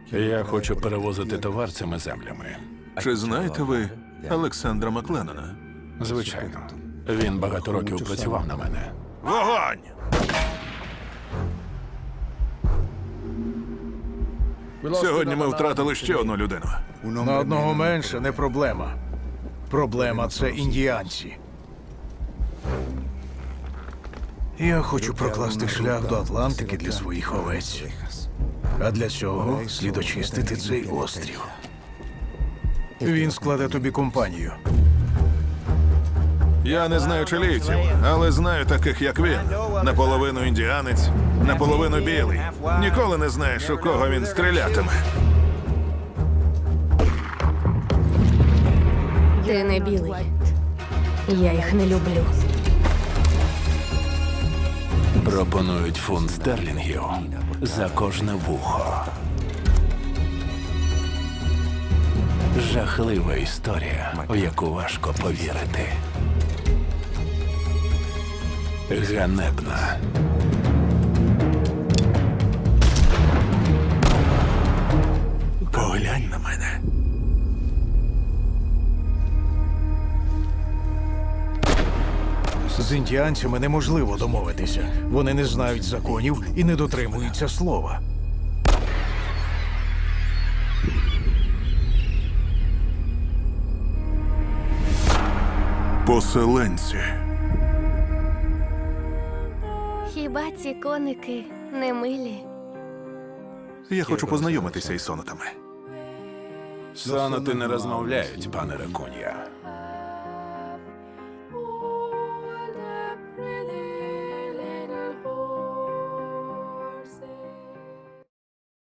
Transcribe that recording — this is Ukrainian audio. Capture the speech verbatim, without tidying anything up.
Я хочу перевозити товар цими землями. Чи знаєте ви Олександра Макленнона? Звичайно. Він багато років працював на мене. Вогонь! Сьогодні ми втратили ще одну людину. На одного менше не проблема. Проблема – це індіанці. Я хочу прокласти шлях до Атлантики для своїх овець. А для цього слід очистити цей острів. Він складе тобі компанію. Я не знаю чилійців, але знаю таких, як він. Наполовину індіанець, наполовину білий. Ніколи не знаєш, у кого він стрілятиме. Ти не білий. Я їх не люблю. Пропонують фунт стерлінгів за кожне вухо. Жахлива історія, в яку важко повірити. Ганебна. Поглянь на мене. З індіанцями неможливо домовитися. Вони не знають законів і не дотримуються слова. Поселенці. Хіба ці коники не милі? Я хочу познайомитися із сонатами. Соноти не розмовляють, пане Ракун'я.